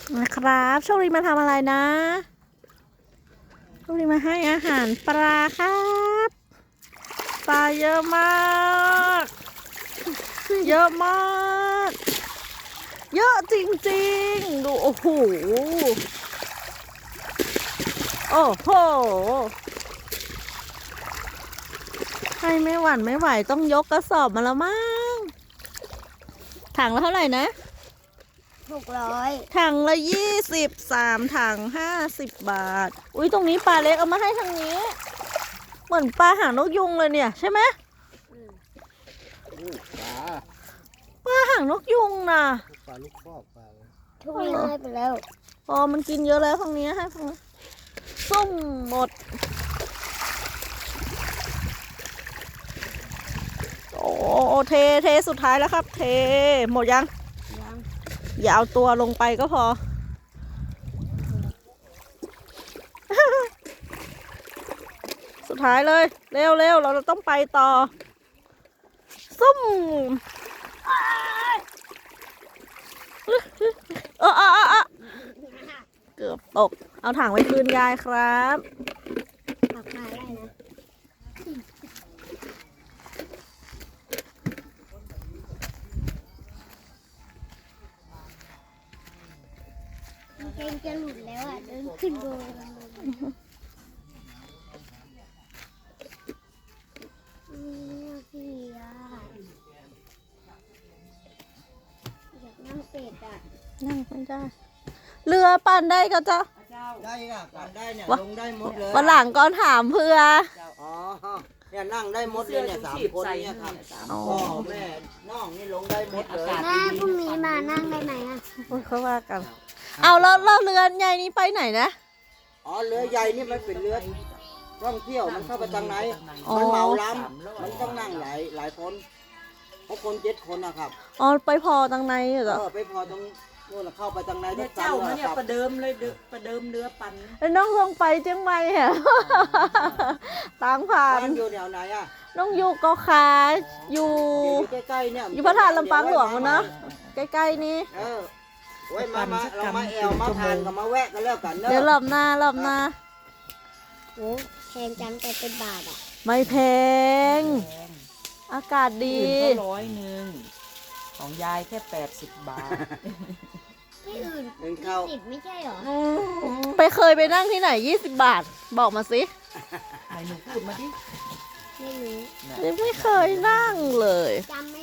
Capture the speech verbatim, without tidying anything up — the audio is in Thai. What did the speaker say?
นะครับโชคดีมาทำอะไรนะโชคดีมาให้อาหารปลาครับปลาเยอะมากเยอะมากเยอะจริงๆดูโอ้โหโอ้โหให้ไม่หวั่นไม่ไหวต้องยกกระสอบมาแล้วมั้งถังละเท่าไหร่นะหกร้อยถังละยี่สิบสามถังห้าสิบบาทอุ้ยตรงนี้ปลาเล็กเอามาให้ทางนี้เหมือนปลาหางนกยุงเลยเนี่ยใช่ไหมปลาหางนกยุงนะปลาลูกคอกปลาทุกนี้ให้ไปแล้วพอมันกินเยอะแล้วทางนี้ให้ทางนี้ส้มหมดโอ้เทเทสุดท้ายแล้วครับเทหมดยังยังอย่าเอาตัวลงไปก็พอ สุดท้ายเลยเร็วเร็วเราต้องไปต่อซุ่มเออเออเออเกือบตกเอาถังไว้คืนยายครับปักมาได้นะเกงจะหลุดแล้วอ่ะเดินขึ้นโบนพี่อ่ะอยากนั่งเป็ดอ่ะนั่งไม่ได้เรือปั่นได้ก็เจ้าได้ค่ะปั่นได้เนี่ยลงได้หมดเลยวันหลังก็ถามเพื่ออ๋อเนี่ยนั่งได้หมดเลยเนี่ยสามคนเนี่ยครับพ่อแม่น้องนี่ลงได้หมดเลยแม่พรุ่งนี้มานั่งได้ไหมอ่ะเขาว่ากันเอาแล้วเรือใหญ่นี้ไปไหนนะอ๋อเรือใหญ่นี่มันเป็นเรือท่องเที่ยวมันเข้าไปทางไหนมันเหมาล้ำมันต้องนั่งหลายหลายคนเพราะคนเจ็ดคนนะครับอ๋อไปพอทางในเหรอเออไปพอตรงนู่นเข้าไปทางในทุกเจ้ามาเนี่ยประเดิมเลยประเดิมเรือปั่นแล้วน้องลงไปเจียงใหม่เหรอตางผ่านอยู่แถวไหนอ่ะน้องอยู่ก็ขาอยู่ใกล้ๆเนี่ยอยู่พระธาตุลำปางหลวงมันเนาะใกล้ๆนี้เออไว้มามาเรามาแอวมาทานกับมาแวะกันแล้วกันเนอะเดี๋ยวรอบหน้ารอบหน้าโอ้แพงจังแต่เป็นบาทอ่ะไม่แพงอากาศดีร้อยหนึ่งของยายแค่แปดสิบบาทที่อื่นยี่สิบไม่ใช่หรอไปเคยไปนั่งที่ไหนยี่สิบบาทบอกมาสิไหนหนูพูดมาดิไม่รู้ยังไม่เคยนั่งเลยจำไม่